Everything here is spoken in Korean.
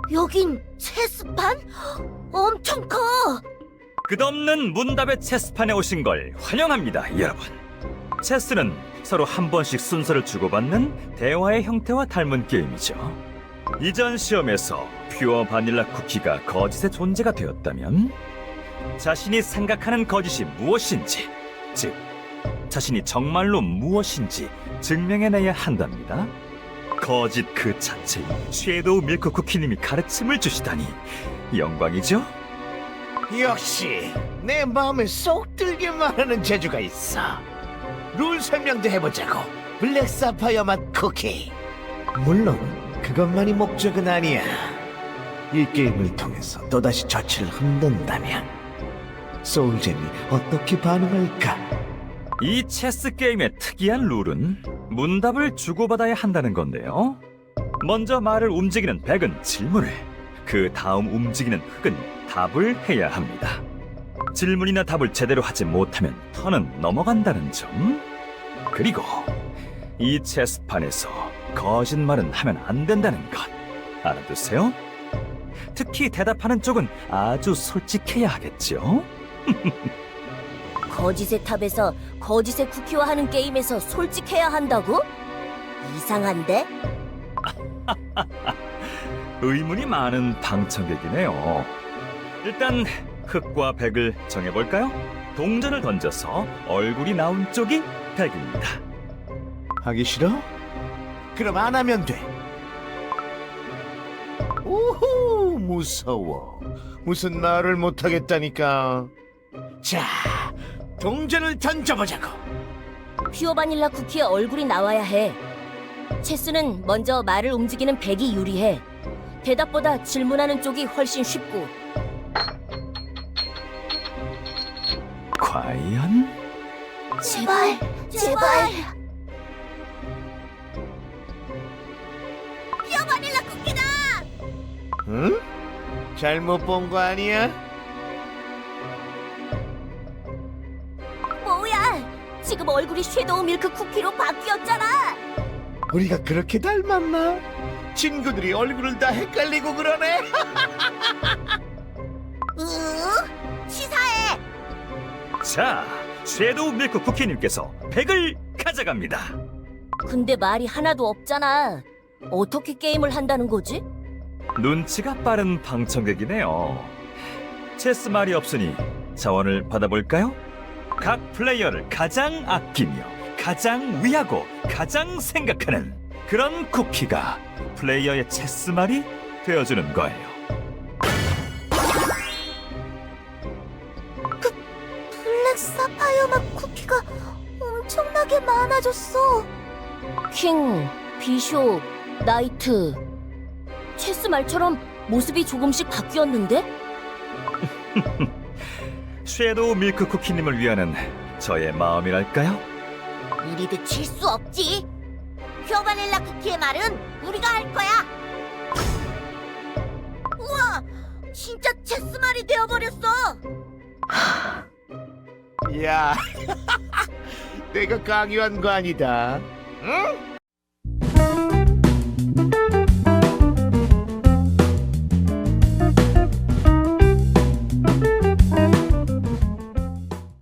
여긴 체스판? 엄청 커! 끝없는 문답의 체스판에 오신 걸 환영합니다, 여러분. 체스는 서로 한 번씩 순서를 주고받는 대화의 형태와 닮은 게임이죠. 이전 시험에서 퓨어 바닐라 쿠키가 거짓의 존재가 되었다면 자신이 생각하는 거짓이 무엇인지, 즉 자신이 정말로 무엇인지 증명해내야 한답니다. 거짓 그 자체인 섀도우 밀크 쿠키님이 가르침을 주시다니 영광이죠? 역시 내 마음에 쏙 들게 말하는 재주가 있어. 룰 설명도 해보자고. 블랙 사파이어 맛 쿠키. 물론 그것만이 목적은 아니야. 이 게임을 통해서 또다시 저치를 흔든다면 소울잼이 어떻게 반응할까? 이 체스 게임의 특이한 룰은 문답을 주고받아야 한다는 건데요. 먼저 말을 움직이는 백은 질문을, 그 다음 움직이는 흑은 답을 해야 합니다. 질문이나 답을 제대로 하지 못하면 턴은 넘어간다는 점. 그리고 이 체스판에서 거짓말은 하면 안 된다는 것 알아두세요. 특히 대답하는 쪽은 아주 솔직해야 하겠죠. 거짓의 탑에서 거짓의 쿠키와 하는 게임에서 솔직해야 한다고? 이상한데? 의문이 많은 방청객이네요. 일단 흑과 백을 정해볼까요? 동전을 던져서 얼굴이 나온 쪽이 백입니다. 하기 싫어? 그럼 안 하면 돼. 오호, 무서워. 무슨 말을 못하겠다니까. 자, 동전을 던져보자고. 퓨어 바닐라 쿠키의 얼굴이 나와야 해. 체스는 먼저 말을 움직이는 백이 유리해. 대답보다 질문하는 쪽이 훨씬 쉽고. 과연? 제발, 제발. 퓨어 바닐라 쿠키다! 응? 잘못 본 거 아니야? 뭐야? 지금 얼굴이 섀도우 밀크 쿠키로 바뀌었잖아. 우리가 그렇게 닮았나? 친구들이 얼굴을 다 헷갈리고 그러네. 치사해. 자, 섀도우 밀크 쿠키님께서 백을 가져갑니다. 근데 말이 하나도 없잖아. 어떻게 게임을 한다는 거지? 눈치가 빠른 방청객이네요. 체스 말이 없으니 자원을 받아볼까요? 각 플레이어를 가장 아끼며 가장 위하고 가장 생각하는 그런 쿠키가 플레이어의 체스 말이 되어주는 거예요. 블랙 사파이어 맛 쿠키가 엄청나게 많아졌어. 킹, 비숍, 나이트. 체스 말처럼 모습이 조금씩 바뀌었는데? 섀도우 밀크 쿠키님을 위하는 저의 마음이랄까요? 우리도 질 수 없지. 퓨어 바닐라 쿠키의 말은 우리가 할 거야. 우와, 진짜 체스 말이 되어버렸어. 야, 내가 강요한 거 아니다. 응?